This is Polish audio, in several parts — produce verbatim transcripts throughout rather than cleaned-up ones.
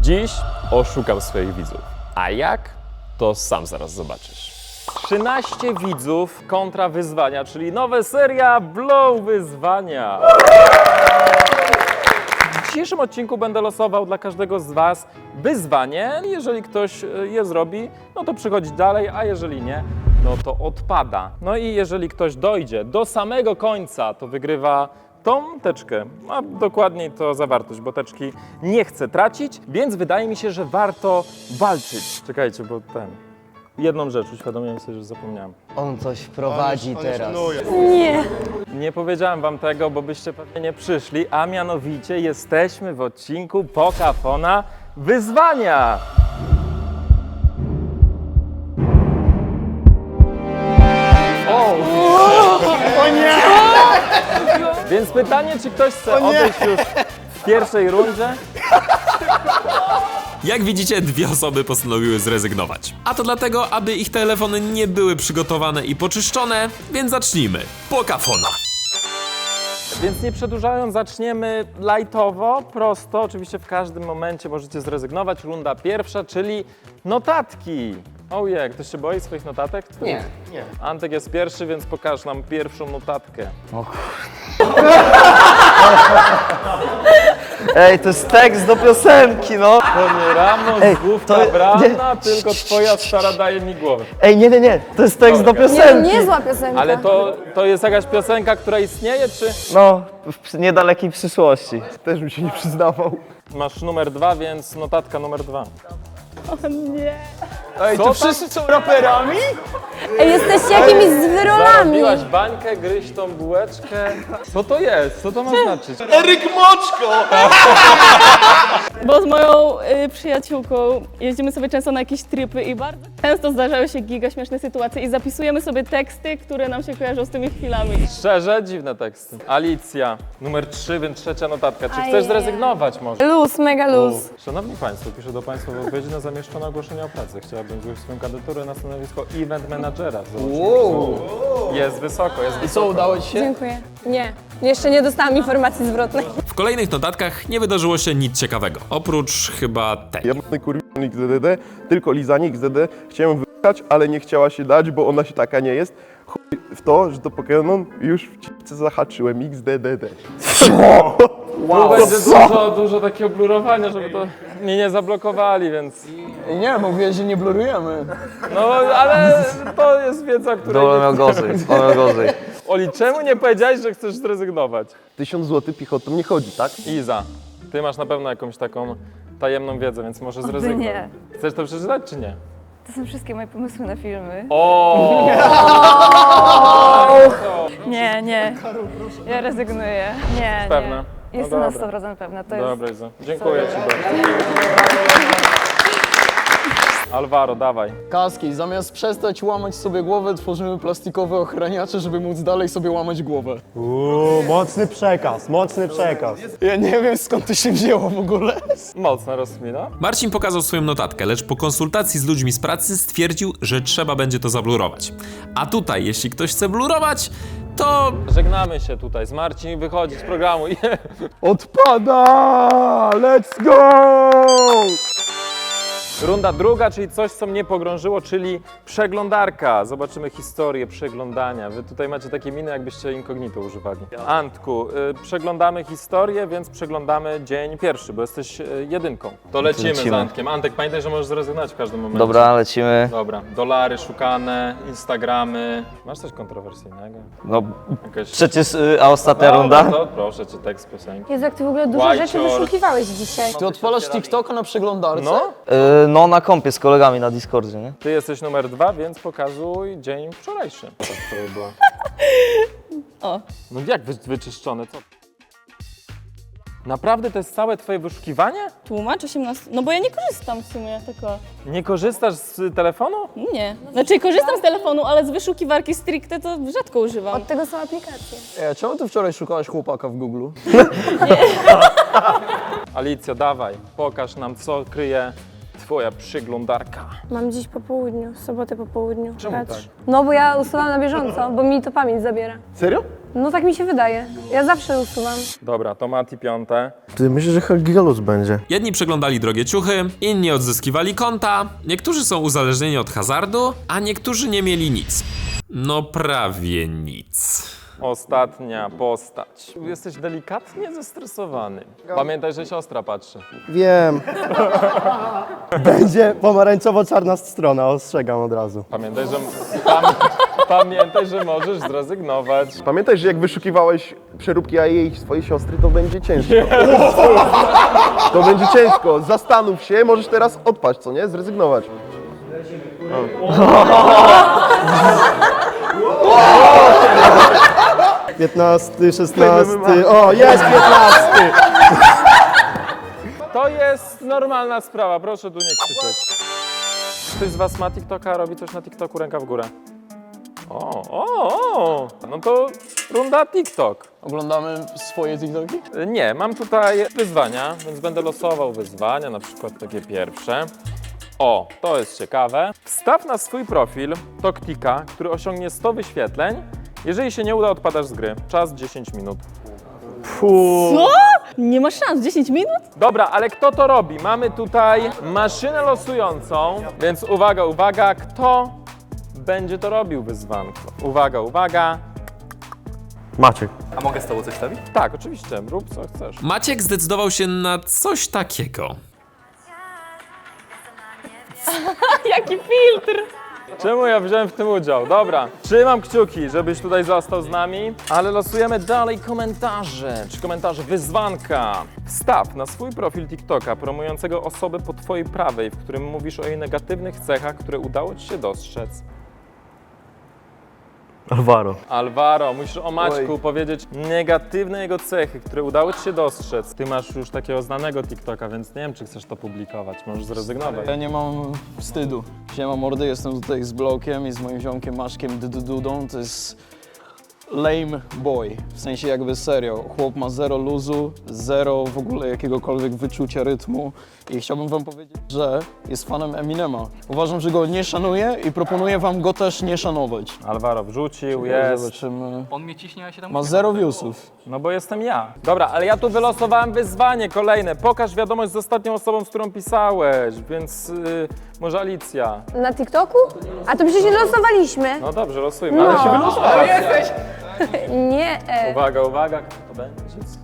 Dziś oszukam swoich widzów. A jak? To sam zaraz zobaczysz. trzynaście widzów kontra wyzwania, czyli nowa seria Blow Wyzwania. W dzisiejszym odcinku będę losował dla każdego z Was wyzwanie. Jeżeli ktoś je zrobi, no to przychodzi dalej, a jeżeli nie, no to odpada. No i jeżeli ktoś dojdzie do samego końca, to wygrywa tą teczkę, a dokładniej to zawartość, bo teczki nie chcę tracić, więc wydaje mi się, że warto walczyć. Czekajcie, bo ten... Jedną rzecz uświadomiłem sobie, że zapomniałem. On coś wprowadzi on teraz. Nie. Nie powiedziałem wam tego, bo byście pewnie nie przyszli, a mianowicie jesteśmy w odcinku Pokafona Wyzwania. O! O nie! Więc pytanie, czy ktoś chce odejść już w pierwszej rundzie? Jak widzicie, dwie osoby postanowiły zrezygnować. A to dlatego, aby ich telefony nie były przygotowane i poczyszczone, więc zacznijmy. Pokafona. Więc nie przedłużając, zaczniemy lightowo, prosto. Oczywiście w każdym momencie możecie zrezygnować. Runda pierwsza, czyli notatki. Ojej, ktoś się boi swoich notatek? Nie. Antek jest pierwszy, więc pokaż nam pierwszą notatkę. O kurde. Ej, to jest tekst do piosenki, no. To nie Ramos, Ej, główka to- brana, nie. tylko twoja stara daje mi głowę. Ej, nie, nie, nie, to jest tekst do Dobra. Nie, piosenki. niezła piosenka. Ale to, to jest jakaś piosenka, która istnieje, czy No, w niedalekiej przyszłości. Też bym się nie przyznawał. masz numer dwa, więc notatka numer dwa. Ej, Co to tam? wszyscy są raperami? Ej, jesteście jakimiś zwyrolami. Zarobiłaś bańkę, gryź tą bułeczkę. Co to jest? Co to ma znaczyć? Eryk Moczko! Bo z moją y, przyjaciółką jeździmy sobie często na jakieś tripy i bardzo często zdarzały się giga śmieszne sytuacje i zapisujemy sobie teksty, które nam się kojarzą z tymi chwilami. Szczerze, dziwne teksty. Alicja, numer trzy, więc trzecia notatka. Czy chcesz Ajajaj. zrezygnować może? Luz, mega luz. Szanowni Państwo, piszę do Państwa w odpowiedzi na zamieszczone ogłoszenie o pracy. Chciałabym zgłosić swoją kandydaturę na stanowisko event managera. Wow. Jest wysoko, jest I wysoko. co, udało ci się? Dziękuję. Nie, jeszcze nie dostałam informacji zwrotnej. W kolejnych notatkach nie wydarzyło się nic ciekawego. Oprócz chyba tej. Jebany kurwiony X D D, tylko lizanie X D D. Chciałem wyjechać, ale nie chciała się dać, bo ona się taka nie jest. Chuj w to, że to Pokémon już w cipce zahaczyłem X D D D. Tu będzie dużo, dużo takiego blurowania, żeby to mnie nie zablokowali, więc... Nie, mówię, że nie blurujemy. No, ale to jest wiedza, której Dobra, nie miał gorzej, on miał gorzej. Oli, czemu nie powiedziałeś, że chcesz zrezygnować? Tysiąc złotych piechotą nie chodzi, tak? Iza, ty masz na pewno jakąś taką tajemną wiedzę, więc może zrezygnuj. nie. Chcesz to przeczytać, czy nie? To są wszystkie moje pomysły na filmy. O! Nie, nie. Ja rezygnuję. Nie, Pewna? nie. No Jestem na dobra. sto procent pewna. To jest... Dobra, Iza. Dziękuję ci bardzo. Alvaro, dawaj. Kaski, zamiast przestać łamać sobie głowę, tworzymy plastikowe ochraniacze, żeby móc dalej sobie łamać głowę. Uuu, mocny przekaz, mocny przekaz. Ja nie wiem, skąd to się wzięło w ogóle. Mocna rozkmina. Marcin pokazał swoją notatkę, lecz po konsultacji z ludźmi z pracy stwierdził, że trzeba będzie to zablurować. A tutaj, jeśli ktoś chce blurować, to Żegnamy się tutaj z Marcin, wychodzi z programu. Odpada! Let's go! Runda druga, czyli coś, co mnie pogrążyło, czyli przeglądarka. Zobaczymy historię przeglądania. Wy tutaj macie takie miny, jakbyście incognito używali. Antku, y, przeglądamy historię, więc przeglądamy dzień pierwszy, bo jesteś y, jedynką. To lecimy, Lecimy. z Antkiem. Antek, pamiętaj, że możesz zrezygnować w każdym momencie. Dobra, lecimy. Dobra, dolary szukane, Instagramy. Masz coś kontrowersyjnego? No, Jakaś... przecież, y, a ostatnia Dobra, runda? To proszę cię, tekst piosenki. Jezu, jak ty w ogóle dużo White rzeczy short. wyszukiwałeś dzisiaj. Ty odpalasz TikToka na przeglądarce? No, Y, no, na kompie z kolegami na Discordzie, nie? ty jesteś numer dwa, więc pokazuj dzień wczorajszy. Co wczoraj było? O. No jak wy, wyczyszczone, co? Naprawdę to jest całe twoje wyszukiwanie? Tłumacz osiemnaście. No bo ja nie korzystam w sumie tylko. Nie korzystasz z telefonu? Nie. Znaczy korzystam z telefonu, ale z wyszukiwarki stricte to rzadko używam. Od tego są aplikacje. Ej, a czemu ty wczoraj szukałaś chłopaka w Google? Alicja, dawaj, pokaż nam, co kryje twoja przeglądarka. Mam dziś po południu, w sobotę po południu. Czemu tak? No bo ja usuwam na bieżąco, bo mi to pamięć zabiera. Serio? No tak mi się wydaje. Ja zawsze usuwam. Dobra, to Mati piąte. Ty myślisz, że Helgigalus będzie? Jedni przeglądali drogie ciuchy, inni odzyskiwali konta, niektórzy są uzależnieni od hazardu, a niektórzy nie mieli nic. No prawie nic. Ostatnia postać. Jesteś delikatnie zestresowany. Pamiętaj, że siostra patrzy. Wiem. Będzie pomarańczowo-czarna strona, ostrzegam od razu. Pamiętaj, że, pam, pamiętaj, że możesz zrezygnować. Pamiętaj, że jak wyszukiwałeś przeróbki a jej swojej siostry, to będzie ciężko. To będzie ciężko. Zastanów się, możesz teraz odpaść, co nie? Zrezygnować. piętnasty, szesnasty, o jest piętnasty! To jest normalna sprawa, proszę tu nie krzyczeć. Ktoś z was ma TikToka, robi coś na TikToku, ręka w górę. O, o, o, no to runda TikTok. Oglądamy swoje TikToki? Nie, mam tutaj wyzwania, więc będę losował wyzwania, na przykład takie pierwsze. O, to jest ciekawe. Wstaw na swój profil TokTika, który osiągnie sto wyświetleń. Jeżeli się nie uda, odpadasz z gry. Czas dziesięć minut. Co? Nie ma szans, dziesięć minut? Dobra, ale kto to robi? Mamy tutaj maszynę losującą, więc uwaga, uwaga, kto będzie to robił wyzwanko? Uwaga, uwaga. Maciek. A mogę z tobą coś stawić? Tak, oczywiście, rób co chcesz. Maciek zdecydował się na coś takiego. Jaki filtr! Czemu ja wziąłem w tym udział? Dobra, trzymam kciuki, żebyś tutaj został z nami, ale losujemy dalej komentarze, czy komentarze wyzwanka. Wstaw na swój profil TikToka promującego osobę po twojej prawej, w którym mówisz o jej negatywnych cechach, które udało ci się dostrzec. Alvaro. Alvaro, musisz o Maćku powiedzieć negatywne jego cechy, które udało ci się dostrzec. Ty masz już takiego znanego TikToka, więc nie wiem, czy chcesz to publikować. Możesz zrezygnować. Ja nie mam wstydu. Siema mordy, jestem tutaj z Blokiem i z moim ziomkiem Maszkiem Dududą. To jest lame boy. W sensie jakby serio. Chłop ma zero luzu, zero w ogóle jakiegokolwiek wyczucia rytmu. I chciałbym wam powiedzieć, że jest fanem Eminema. Uważam, że go nie szanuję i proponuję wam go też nie szanować. Alvaro wrzucił, jest. Zobaczymy. On mnie ciśnie, a ja się tam Ma zero viewsów. No bo jestem ja. Dobra, ale ja tu wylosowałem wyzwanie kolejne. Pokaż wiadomość z ostatnią osobą, z którą pisałeś, więc yy, może Alicja. Na TikToku? A to przecież nie losowaliśmy. No dobrze, losujmy, ale się No. wylosowałaś. Nie. E. Uwaga, uwaga, kto to będzie?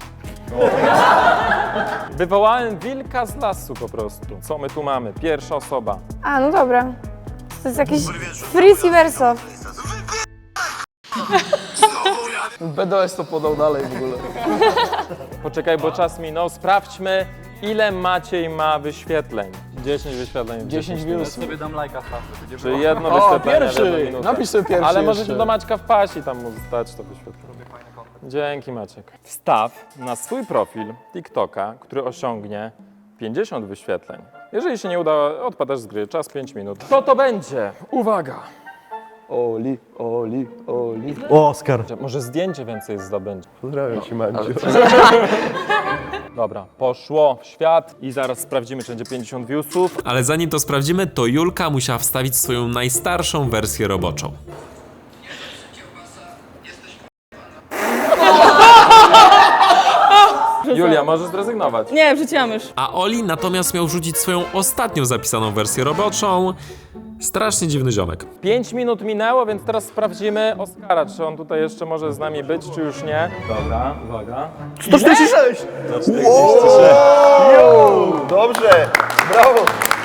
Wywołałem wilka z lasu po prostu. Co my tu mamy? Pierwsza osoba. A, no dobra. To jest jakiś frizz i verso. B D S to podał dalej w ogóle. Poczekaj, bo czas minął. Sprawdźmy, ile Maciej ma wyświetleń. dziesięć wyświetleń. w dziesięć minut. viewsów. sobie dam lajka w będzie Czyli jedno O, wyświetlenie w jedną pierwszy! minutę. Napisz sobie pierwszy Ale możecie jeszcze. do Maćka wpaść i tam mu zdać to wyświetlenie. Dzięki Maciek. Wstaw na swój profil TikToka, który osiągnie pięćdziesiąt wyświetleń. Jeżeli się nie uda, odpadasz z gry. Czas pięć minut. Kto to będzie? Uwaga! Oli, Oli, Oli. Oskar. Może zdjęcie więcej zdobędzie. Pozdrawiam cię, Mandziu. Dobra, poszło w świat i zaraz sprawdzimy, czy będzie pięćdziesiąt viewsów. Ale zanim to sprawdzimy, to Julka musiała wstawić swoją najstarszą wersję roboczą. Julia, możesz zrezygnować. Nie, wrzuciłam już. A Oli natomiast miał rzucić swoją ostatnią zapisaną wersję roboczą. Strasznie dziwny ziomek. pięć minut minęło, więc teraz sprawdzimy Oskara, czy on tutaj jeszcze może z nami być, czy już nie. Dobra, uwaga. sto czterdzieści sześć! Dobrze, brawo!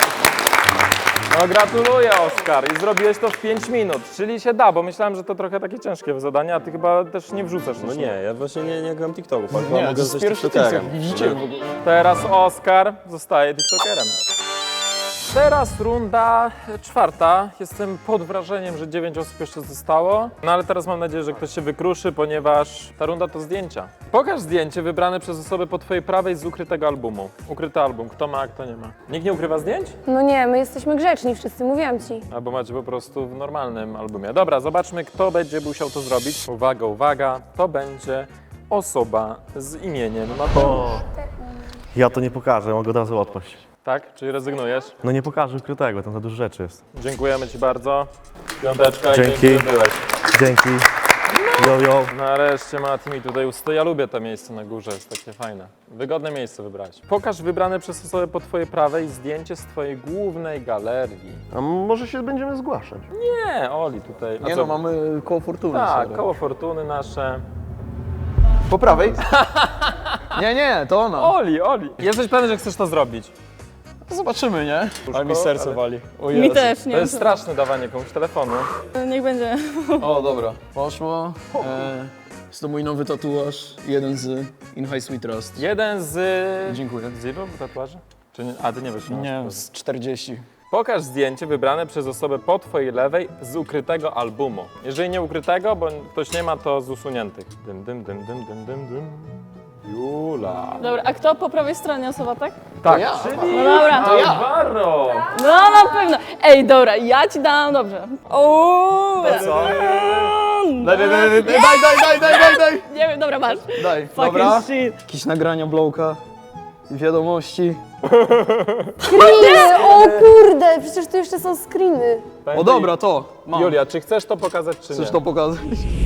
No gratuluję, Oskar, i zrobiłeś to w pięć minut, czyli się da, bo myślałem, że to trochę takie ciężkie zadanie, a ty chyba też nie wrzucasz. No nie, ja właśnie nie, nie gram TikToku. Nie, to jest pierwszy TikTok. Widzicie w ogóle. Teraz Oskar zostaje TikTokerem. Teraz runda czwarta. Jestem pod wrażeniem, że dziewięć osób jeszcze zostało. No ale teraz mam nadzieję, że ktoś się wykruszy, ponieważ ta runda to zdjęcia. Pokaż zdjęcie wybrane przez osobę po twojej prawej z ukrytego albumu. Ukryty album. Kto ma, a kto nie ma. Nikt nie ukrywa zdjęć? No nie, my jesteśmy grzeczni wszyscy, mówiłam ci. Albo macie po prostu w normalnym albumie. Dobra, zobaczmy, kto będzie musiał to zrobić. Uwaga, uwaga. To będzie osoba z imieniem Mateusz. Ja to nie pokażę, mogę od razu odpaść. Tak? Czyli rezygnujesz? No nie pokażę ukrytego, tam za dużo rzeczy jest. Dziękujemy ci bardzo. Piąteczka i Dzięki. dzięki, że byłeś. Dzięki. Yo, yo. Nareszcie Mati mi tutaj usto. Ja lubię to miejsce na górze, jest takie fajne. Wygodne miejsce wybrać. Pokaż wybrane przez osobę po twojej prawej zdjęcie z twojej głównej galerii. A może się będziemy zgłaszać? Nie, Oli tutaj. A Nie co? no, mamy koło fortuny. Tak, sorry. koło fortuny nasze. Po prawej? Nie, nie, to ona. Oli, Oli. Jesteś pewny, że chcesz to zrobić? Zobaczymy, nie? Ale mi serce ale- wali. O Mi Jezu. też, nie To jest wiem. straszne dawanie komuś telefonu. Niech będzie. O, dobra. Poszło. E, jest to mój nowy tatuaż. Jeden z In High Sweet Trust. Jeden z... Dziękuję. Z ilu tatuaży? Czy nie? A, ty nie wiesz. Nie, z czterdzieści. Pokaż zdjęcie wybrane przez osobę po twojej lewej z ukrytego albumu. Jeżeli nie ukrytego, bo ktoś nie ma, to z usuniętych. Dym, dym, dym, dym, dym, dym, dym. Jula. Dobra, a kto po prawej stronie osoba, tak? Tak, ja. czyli No dobra. To ja. Alvaro. No na pewno. Ej, dobra, ja ci dam, dobrze. O, Co? Daj, daj, daj, daj, daj, daj, daj, daj, daj. Nie wiem, dobra, masz. Daj, Fucking dobra. shit. Jakieś nagrania Blowka, wiadomości. Screeny! O kurde, przecież tu jeszcze są screeny. O dobra, to. Mam. Julia, czy chcesz to pokazać, czy Chcesz nie? to pokazać?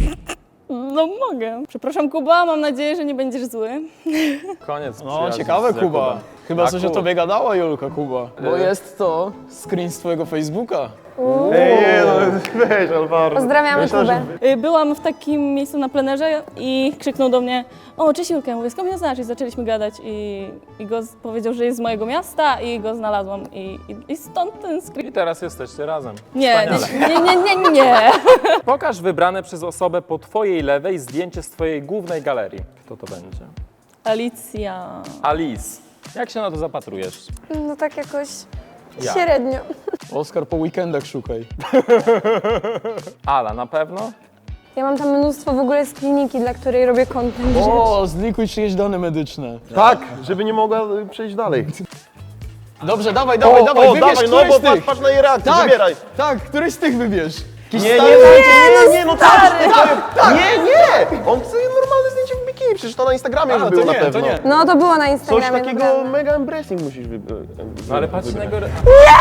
No mogę. Przepraszam, Kuba, mam nadzieję, że nie będziesz zły. Koniec No, przyjaźni ciekawe, z Kuba. Jakubem. Chyba coś o Jakub. tobie gadała, Julka, Kuba. Bo E. jest to screen z twojego Facebooka. Ej, nie, no weź Alvaro. Pozdrawiamy Myślę, że- Kubę. Y, Byłam w takim miejscu na plenerze i krzyknął do mnie: o, cześć Julka, mówię, skąd mnie znasz? I zaczęliśmy gadać i, i go z- powiedział, że jest z mojego miasta i go znalazłam i, i, i stąd ten screen. I teraz jesteście razem. Nie, Wspaniale. nie, nie, nie, nie, nie. Pokaż wybrane przez osobę po twojej lewej zdjęcie z twojej głównej galerii. Kto to będzie? Alicja. Alice. Jak się na to zapatrujesz? No tak jakoś Ja. średnio. Oskar, po weekendach szukaj. Ala, na pewno? Ja mam tam mnóstwo w ogóle z kliniki, dla której robię content. O, zlikuj czyjeś dane medyczne. Tak, żeby nie mogła y, przejść dalej. Dobrze, dawaj, dawaj, o, dawaj, o, wybierz dawaj, no któryś bo z tych. patrz, patrz na jej reakcję, Tak, wybieraj. tak, któryś z tych wybierz. Jakiś Nie, nie, stary- nie, nie, nie, no tak, tak, nie, nie! On chce normalne zdjęcie w bikini, przecież to na Instagramie A, już to było nie, na to pewno. nie. No to było na Coś Instagramie. takiego naprawdę. mega embracing musisz wybrać. No ale patrz na jego... re-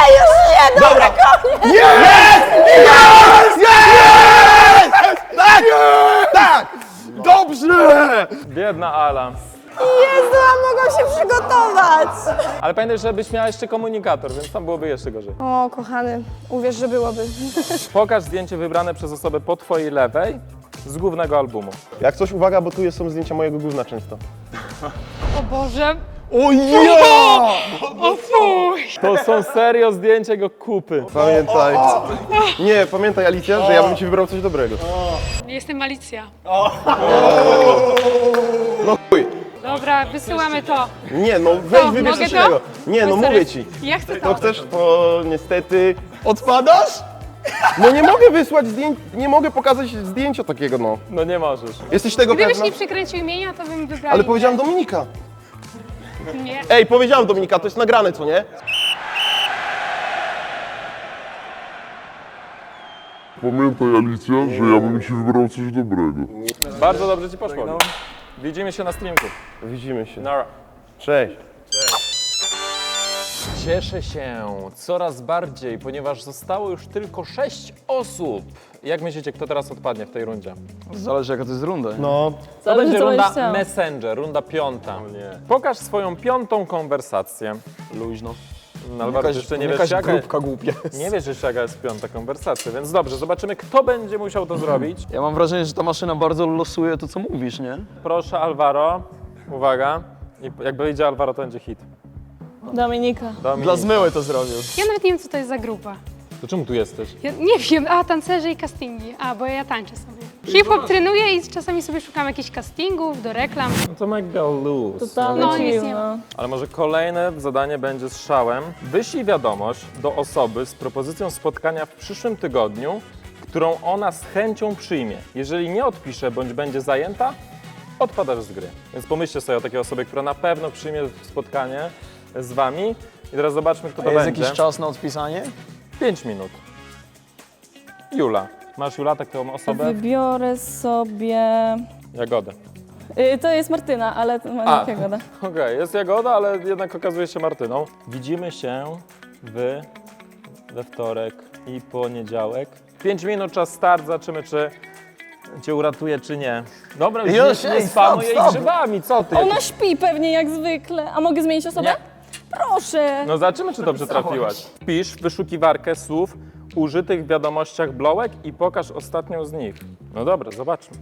Tak! Dobrze! Biedna Ala. Jezu, a mogłam się przygotować! Ale pamiętaj, żebyś miała jeszcze komunikator, więc tam byłoby jeszcze gorzej. O, kochany, uwierz, że byłoby. Pokaż zdjęcie wybrane przez osobę po twojej lewej z głównego albumu. Jak coś, uwaga, bo tu jest- są zdjęcia mojego gówna często. O Boże. O ja! To są serio zdjęcia jego kupy. Pamiętaj. Nie, pamiętaj Alicja, że ja bym ci wybrał coś dobrego. Jestem Alicja. No chuj. Dobra, wysyłamy to. Nie, no weź Co, wybierz mogę coś to? innego. Nie, no Serio? mówię ci. Ja chcę To to. chcesz, to niestety... Odpadasz? No nie mogę wysłać zdjęć, nie mogę pokazać zdjęcia takiego, no. No nie możesz. Jesteś tego Gdybyś pewna? nie przykręcił imienia, to bym wybrał. Ale powiedziałam Dominika. Nie. Ej, powiedziałam Dominika, to jest nagrane, co nie? Pamiętaj Alicja, że ja bym ci wybrał coś dobrego. Bardzo dobrze ci poszło. Widzimy się na streamku. Widzimy się. Nara. Cześć. Cieszę się coraz bardziej, ponieważ zostało już tylko sześć osób. Jak myślicie, kto teraz odpadnie w tej rundzie? Zależy jaka to jest runda. No, To Zależy, będzie co runda będziesz chciał. Messenger, runda piąta. Pokaż swoją piątą konwersację. Luźno. No, ale bardzo jeszcze nie wiesz, jakaś jaka, grupka głupia jest. nie wiesz jeszcze, jaka jest piąta konwersacja, więc dobrze, zobaczymy, kto będzie musiał to zrobić. Ja mam wrażenie, że ta maszyna bardzo losuje to, co mówisz, nie? Proszę, Alvaro, uwaga. I jak wyjdzie Alvaro, to będzie hit. Dominika. Dominik. Dla zmyły to zrobił. Ja nawet nie wiem, co to jest za grupa. To czemu tu jesteś? Ja nie wiem, a tancerze i castingi. A, bo ja tańczę sobie. Hip-hop trenuję i czasami sobie szukam jakichś castingów do reklam. No to mega luz. Totalnie No, nic chill, nie no. Ale może kolejne zadanie będzie z szałem. Wyślij wiadomość do osoby z propozycją spotkania w przyszłym tygodniu, którą ona z chęcią przyjmie. Jeżeli nie odpisze bądź będzie zajęta, odpadasz z gry. Więc pomyślcie sobie o takiej osobie, która na pewno przyjmie spotkanie z wami. I teraz zobaczmy, kto to A jest będzie. jakiś czas na odpisanie? pięć minut. Jula. Masz Jula taką osobę? Wybiorę sobie... Jagodę. Y, to jest Martyna, ale to ma A. jakiego. Okej, jest Jagoda, ale jednak okazuje się Martyną. Widzimy się w, we wtorek i poniedziałek. pięć minut, czas start, zobaczymy czy cię uratuje, czy nie. Dobra, Już, już nie, nie ej, spanuj stop, jej stop. grzybami, co ty? Ona śpi pewnie jak zwykle. A mogę zmienić osobę? Nie. Proszę. No zobaczymy, czy dobrze trafiłaś. Wpisz w wyszukiwarkę słów użytych w wiadomościach blołek i pokaż ostatnią z nich. No dobra, zobaczmy.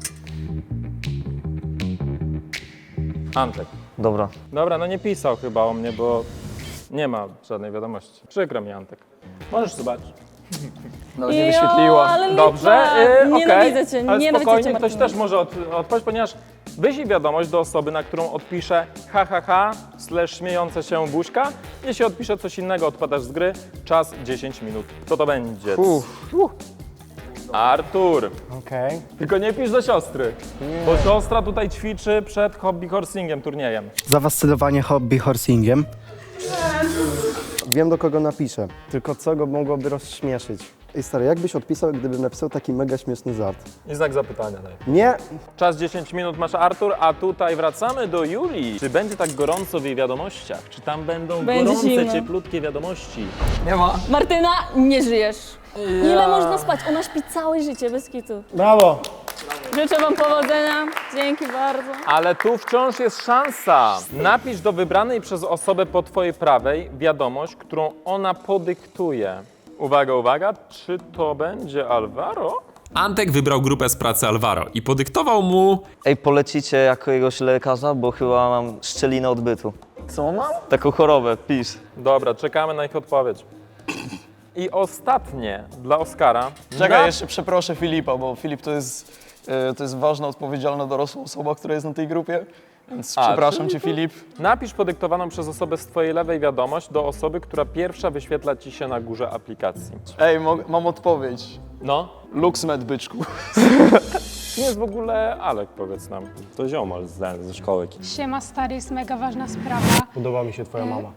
Antek. Dobra. Dobra, no nie pisał chyba o mnie, bo nie ma żadnej wiadomości. Przykro mi, Antek. Możesz zobaczyć. Nawet nie Jo, wyświetliła. ale lipa. Dobrze, yy, okej. Nienawidzę cię, Ale nienawidzę spokojnie, cię, ktoś Martyna. też może od, odpowiedzieć, ponieważ wyślij wiadomość do osoby, na którą odpisze ha ha ha slash śmiejące się buźka. Jeśli odpisze coś innego, odpadasz z gry. Czas dziesięć minut. Co to będzie? Uff. Artur. Okej. Tylko nie pisz do siostry, bo siostra tutaj ćwiczy przed hobby horsingiem, turniejem. Zafascynowanie hobby horsingiem. Wiem, do kogo napiszę, tylko co go mogłoby rozśmieszyć. Ej stary, jak byś odpisał, gdybym napisał taki mega śmieszny żart? I znak zapytania daj. Nie! Czas dziesięć minut masz, Artur, a tutaj wracamy do Julii. Czy będzie tak gorąco w jej wiadomościach? Czy tam będą Będzie gorące, zimno. cieplutkie wiadomości? Nie ma. Martyna, nie żyjesz. Ile można spać? Ona śpi całe życie, bez kitu. Brawo! Życzę wam powodzenia. Dzięki bardzo. Ale tu wciąż jest szansa. Napisz do wybranej przez osobę po twojej prawej wiadomość, którą ona podyktuje. Uwaga, uwaga, czy to będzie Alvaro? Antek wybrał grupę z pracy Alvaro i podyktował mu... Ej, polecicie jakiegoś lekarza, bo chyba mam szczelinę odbytu. Co mam? Taką chorobę, pisz. Dobra, czekamy na ich odpowiedź. I ostatnie dla Oskara. Czekaj, Na- jeszcze przeproszę Filipa, bo Filip to jest, e, to jest ważna, odpowiedzialna, dorosła osoba, która jest na tej grupie. Więc A, przepraszam czyli cię, Filip. Napisz podyktowaną przez osobę z twojej lewej wiadomość do osoby, która pierwsza wyświetla ci się na górze aplikacji. Ej, mo- mam odpowiedź. No, LuxMed, byczku. nie jest w ogóle Alek, powiedz nam. To ziomal z, ze szkoły. Siema stary, jest mega ważna sprawa. Podoba mi się twoja mama.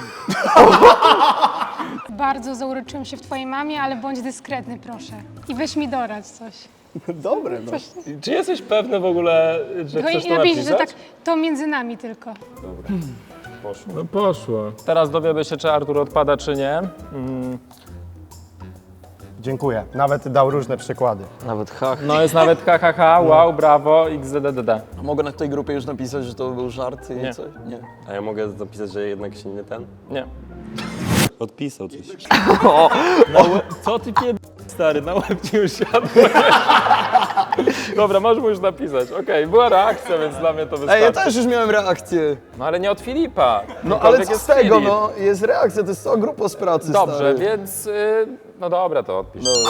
Bardzo zauroczyłem się w twojej mamie, ale bądź dyskretny, proszę. I weź mi doradź coś. Dobre, no. coś. Czy jesteś pewny w ogóle, że Tylko chcesz to napisz, napisać? że tak, to między nami tylko. No poszło. Teraz dowiemy się, czy Artur odpada, czy nie. Mm, Dziękuję. Nawet dał różne przykłady. Nawet hach. no jest nawet ha ha ha, wow, brawo, x d d d. Mogę na tej grupie już napisać, że to był żart i Nie. coś? Nie. A ja mogę zapisać, że jednak się nie ten? Nie. Odpisał coś. Co ty pied... stary, na łeb ci już siadł. Dobra, możesz mu już napisać. Okej, była reakcja, więc dla mnie to wystarczy. Ej, ja też już miałem reakcję. No ale nie od Filipa. No ale Kimkolwiek co jest z tego, Filip. no? Jest reakcja, to jest cała grupa z pracy, Dobrze, stary. więc... Y, no dobra, to odpisz. Dobra.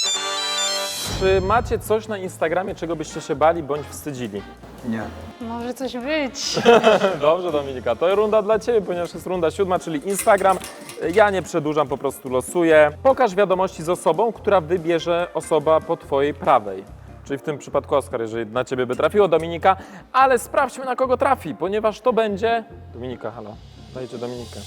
Czy macie coś na Instagramie, czego byście się bali bądź wstydzili? Nie. Może coś być. Dobrze, Dominika, to runda dla Ciebie, ponieważ jest runda siódma, czyli Instagram. Ja nie przedłużam, po prostu losuję. Pokaż wiadomości z osobą, która wybierze osoba po Twojej prawej. Czyli w tym przypadku Oskar, jeżeli na Ciebie by trafiło, Dominika. Ale sprawdźmy, na kogo trafi, ponieważ to będzie... Dominika, halo, dajcie Dominikę.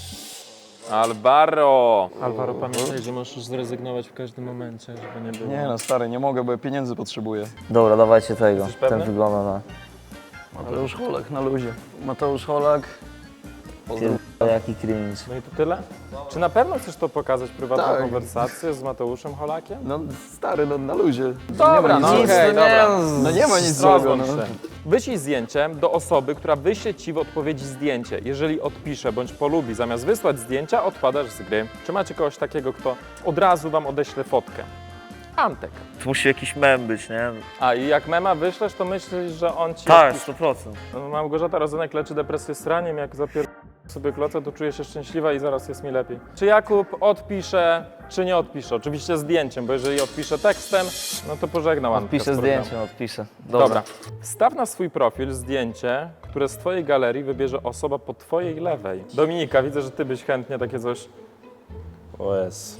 Alvaro. Alvaro, pamiętaj, że możesz zrezygnować w każdym momencie, żeby nie było. Nie no, stary, nie mogę, bo ja pieniędzy potrzebuję. Dobra, dawajcie tego. Jesteś pewny? Ten wygląda na... Mateusz Holak na luzie. Mateusz Holak. Pozdro. Pierdolę, jaki cringe. No i to tyle? Czy na pewno chcesz to pokazać, prywatną Tak. konwersację z Mateuszem Holakiem? No stary, no na luzie. Dobra, nie ma no nic okej, złego. dobra. No nie ma nic Rozłącz złego, no. się. Wyślij zdjęcie do osoby, która wyśle Ci w odpowiedzi zdjęcie. Jeżeli odpisze bądź polubi, zamiast wysłać zdjęcia, odpadasz z gry. Czy macie kogoś takiego, kto od razu Wam odeśle fotkę? Antek. To musi jakiś mem być, nie? A i jak mema wyślesz, to myślisz, że on Ci... Tak, odpisze? sto procent. No, Małgorzata Rozenek leczy depresję sraniem, jak zapier... sobie klocę, to czuję się szczęśliwa i zaraz jest mi lepiej. Czy Jakub odpisze, czy nie odpisze? Oczywiście zdjęciem, bo jeżeli odpisze tekstem, no to pożegnał Antka Odpiszę z programu. zdjęcie, odpiszę. Dobra. Dobra. Wstaw na swój profil zdjęcie, które z Twojej galerii wybierze osoba po Twojej lewej. Dominika, widzę, że Ty byś chętnie takie coś... O jest.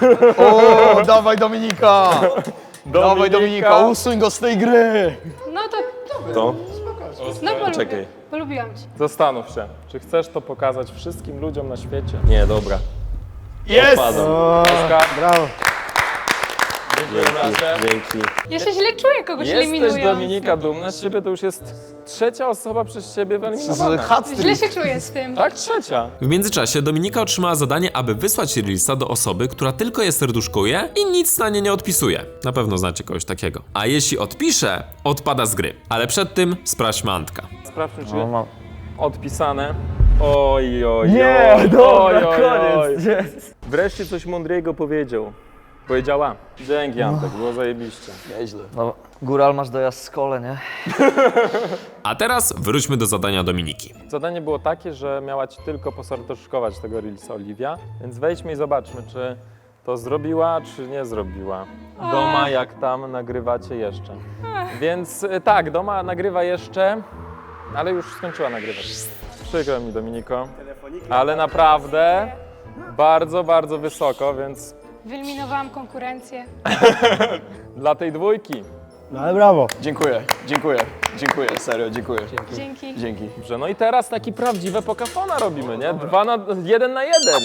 O, dawaj Dominika! Dawaj Dominika, usuń go z tej gry! No to, To? no polubię. Czekaj. Polubiłam cię. Zastanów się, czy chcesz to pokazać wszystkim ludziom na świecie? Nie, dobra. Jest! Odpadam. Oskar, Brawo. Dzięki. Ja się źle czuję, kogoś Jesteś, eliminując. Dominika, dumna z ciebie, to już jest trzecia osoba przez ciebie wyeliminowana. Źle się czuję z tym. Tak, trzecia. W międzyczasie Dominika otrzymała zadanie, aby wysłać Reelsa do osoby, która tylko je serduszkuje i nic na nie nie odpisuje. Na pewno znacie kogoś takiego. A jeśli odpisze, odpada z gry. Ale przed tym sprawdźmy Antka. Sprawdźmy, czy No, mam. odpisane. Oj, oj, Nie, oj, dobra, oj, oj, koniec. oj. Wreszcie coś mądrego powiedział. Powiedziała. Dzięki, Antek, było zajebiście. Nieźle. No, góral masz dojazd z kole, nie? A teraz wróćmy do zadania Dominiki. Zadanie było takie, że miała ci tylko poserduszkować tego Reelsa Oliwia, więc wejdźmy i zobaczmy, czy to zrobiła, czy nie zrobiła. Doma, jak tam nagrywacie jeszcze. Więc y, tak, Doma nagrywa jeszcze, ale już skończyła nagrywać. Przykro mi, Dominiko, ale naprawdę bardzo, bardzo wysoko, więc Wyeliminowałam konkurencję. dla tej dwójki. No ale brawo. Dziękuję, dziękuję, dziękuję, serio, dziękuję. Dzięki. Dzięki. Dobrze, no i teraz taki prawdziwe pokafona robimy, nie? Dwa na, jeden na jeden.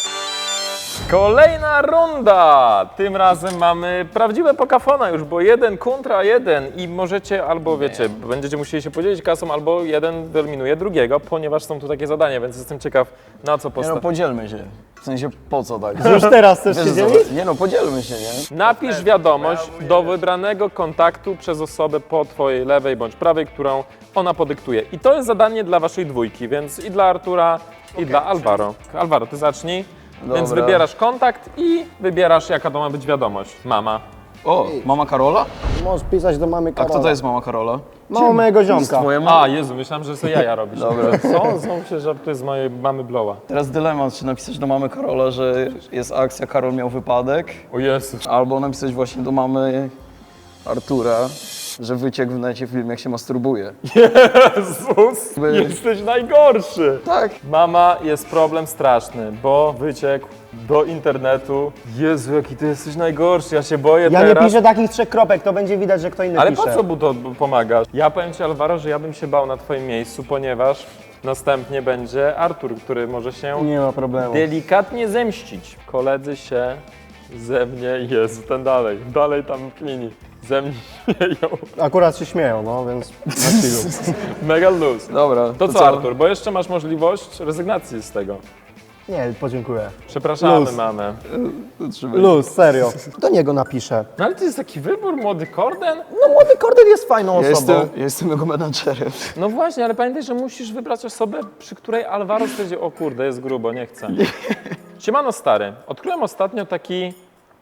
Kolejna runda! Tym razem mamy prawdziwe pokafona już, bo jeden kontra jeden i możecie albo, wiecie, będziecie musieli się podzielić kasą, albo jeden wyeliminuje drugiego, ponieważ są tu takie zadania, więc jestem ciekaw, na co Nie no, postawić. podzielmy się. W sensie, po co tak? Już teraz chcesz Wiesz, się co? dzielić? Nie no, podzielmy się, nie? Napisz wiadomość do wybranego kontaktu przez osobę po twojej lewej bądź prawej, którą ona podyktuje. I to jest zadanie dla waszej dwójki, więc i dla Artura, i dla Alvaro. Alvaro, ty zacznij. Więc Dobra. wybierasz kontakt i wybierasz, jaka to ma być wiadomość. Mama. O, mama Karola? Możesz pisać do mamy A Karola. kto to jest mama Karola? Mama mojego ziomka. Twoja mama? A, Jezu, myślałem, że sobie jaja robisz. Dobra. Co? Znowu się żartuje z mojej mamy Blowa. Teraz dylemat, czy napisać do mamy Karola, że jest akcja, Karol miał wypadek, O Jezus. albo napisać właśnie do mamy Artura, że wyciekł w necie film, jak się masturbuje. Jezus, jesteś najgorszy. Tak. Mama, jest problem straszny, bo wyciekł do internetu. Jezu, jaki ty jesteś najgorszy, ja się boję Ja nie teraz. piszę takich trzech kropek, to będzie widać, że kto inny Ale pisze. po co mu to pomagasz? Ja powiem ci, Alvaro, że ja bym się bał na twoim miejscu, ponieważ następnie będzie Artur, który może się Nie ma problemu. delikatnie zemścić. Koledzy się ze mnie, Jezu, ten dalej, dalej tam klini. Ze mnie śmieją. Akurat się śmieją, no więc na chwilę. Mega luz. Dobra, To co, Artur, bo jeszcze masz możliwość rezygnacji z tego. Nie, podziękuję. Przepraszamy, Luz. mamę. Luz, serio. Do niego napiszę. No ale to jest taki wybór, młody Korden? No młody Korden jest fajną Ja osobą. jestem, ja jestem jego menadżerem. No właśnie, ale pamiętaj, że musisz wybrać osobę, przy której Alvaro stwierdzi, o kurde, jest grubo, nie chcę. Siemano stary, odkryłem ostatnio taki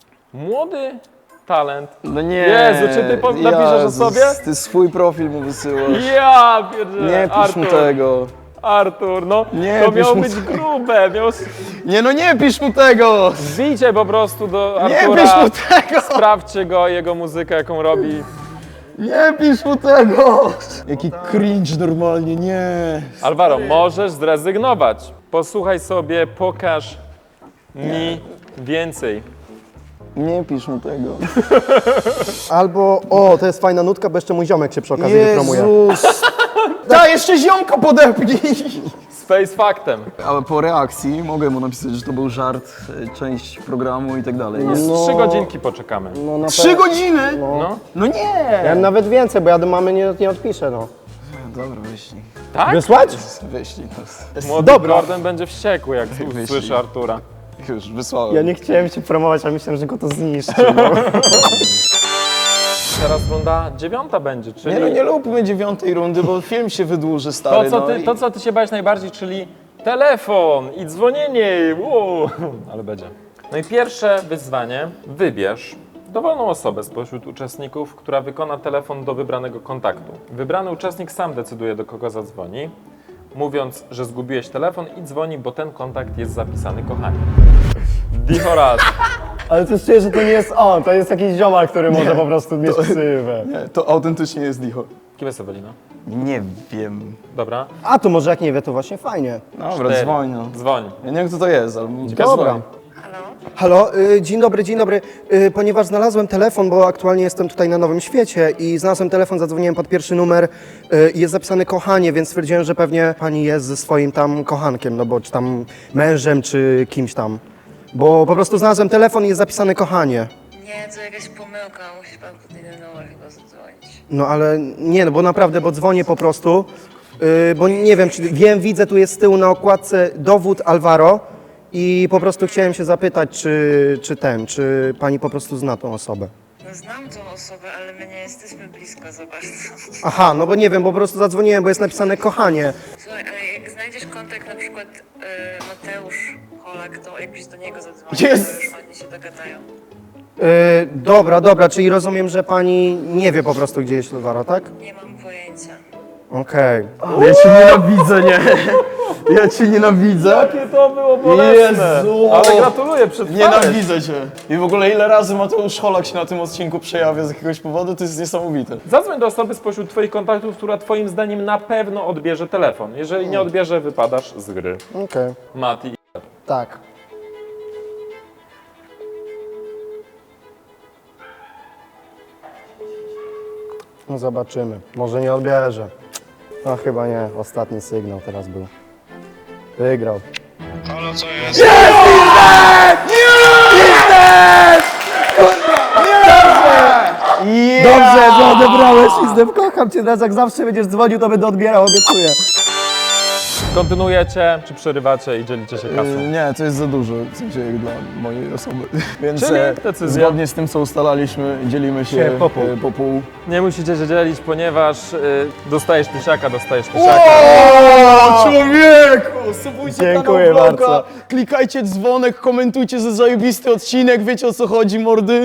młody talent. No nie. Jezu, czy ty po- napiszesz o sobie? Ty swój profil mu wysyłasz. Ja pierdzielę, Nie pisz Artur, mu tego. Artur, no Nie to pisz miało mu być tego. grube, miało... Nie no nie pisz mu tego! Wbijcie po prostu do Nie Artura, pisz mu tego! sprawdźcie go, jego muzykę, jaką robi. Nie pisz mu tego! Jaki cringe normalnie, nie. Alvaro, możesz zrezygnować. Posłuchaj sobie, pokaż mi więcej. Nie pisz mu tego. Albo, o, to jest fajna nutka, bo jeszcze mój ziomek się przy okazji wypromuje. Jezus! Daj, jeszcze ziomka podepnij! Z face faktem. Ale po reakcji mogę mu napisać, że to był żart, e, część programu i tak dalej. Nie? No. Trzy godzinki poczekamy. No, na Trzy godziny? No. No nie! Ja nawet więcej, bo ja do mamy nie, nie odpiszę, no. Dobra, wyślij. Tak? Wysłać? Wyślij. Młody Dobra. Gordon będzie wściekły, jak Wyślij. usłyszy Artura. Już, wysłałem. Ja nie chciałem cię promować, a myślałem, że go to zniszczy. No. Teraz runda dziewiąta będzie, czyli Nie no, nie lubmy dziewiątej rundy, bo film się wydłuży, stary. to, co no ty, i- to, co ty się bałeś najbardziej, czyli telefon i dzwonienie. Wow. Ale będzie. No i pierwsze wyzwanie. Wybierz dowolną osobę spośród uczestników, która wykona telefon do wybranego kontaktu. Wybrany uczestnik sam decyduje, do kogo zadzwoni, mówiąc, że zgubiłeś telefon i dzwoni, bo ten kontakt jest zapisany, kochanie. Dicho raz. Ale to czuję, że to nie jest on, to jest jakiś ziomal, który może po prostu mieć ksywę. Nie, to autentycznie jest Dicho. Kim jest Ewelina? Nie wiem. Dobra. A to może jak nie wie, to właśnie fajnie. Dobra, Cztery. dzwoń no. Dzwoń. Ja nie wiem kto to jest, ale Dobra. dzwoń. Halo, y, dzień dobry, dzień dobry. Y, ponieważ znalazłem telefon, bo aktualnie jestem tutaj na Nowym Świecie i znalazłem telefon, zadzwoniłem pod pierwszy numer y, i jest zapisane kochanie, więc stwierdziłem, że pewnie pani jest ze swoim tam kochankiem, no bo czy tam mężem, czy kimś tam. Bo po prostu znalazłem telefon i jest zapisane kochanie. Nie, Nie, to jakaś pomyłka, musisz pan pod inny numer chyba zadzwonić. No ale nie, no bo naprawdę, bo dzwonię po prostu, yy, bo nie wiem, czy wiem, widzę, tu jest z tyłu na okładce dowód Alvaro i po prostu chciałem się zapytać, czy, czy ten, czy pani po prostu zna tą osobę. No znam tą osobę, ale my nie jesteśmy blisko za bardzo. Aha, no bo nie wiem, bo po prostu zadzwoniłem, bo jest napisane kochanie. Słuchaj, ale jak znajdziesz kontakt na przykład y, Mateusz Holak, to jakbyś do niego zadzwonił, Jest! to już oni się dogadają. Yy, dobra, dobra, czyli rozumiem, że pani nie wie po prostu, gdzie jest Alvaro, tak? Nie mam pojęcia. Okej. Ja cię nienawidzę, nie? Ja cię nienawidzę. Jakie to było bolesne! Jezu! Ale gratuluję, przetrwałeś. Nienawidzę cię. I w ogóle ile razy Mateusz Holak się na tym odcinku przejawia z jakiegoś powodu, to jest niesamowite. Zadzwoń do osoby spośród twoich kontaktów, która twoim zdaniem na pewno odbierze telefon. Jeżeli nie odbierze, wypadasz z gry. Okej, Mati. tak. No zobaczymy. Może nie odbierze. No chyba nie. Ostatni sygnał teraz był. Wygrał. Halo, co jest? Dobrze, że odebrałeś i z kocham cię. Teraz jak zawsze będziesz dzwonił, to będę odbierał, obiecuję. Kontynuujecie, czy przerywacie i dzielicie się kasą? Yy, nie, to jest za dużo, w sensie jak dla mojej osoby. Więc Czyli e, decyzja. zgodnie z tym, co ustalaliśmy, dzielimy się Się po pół. e, po pół. Nie musicie się dzielić, ponieważ y, dostajesz tysiaka, dostajesz tysiaka. O, człowieku! Subujcie Dziękuję kanał Vloga, bardzo. klikajcie dzwonek, komentujcie, że zajebisty odcinek, wiecie o co chodzi, mordy.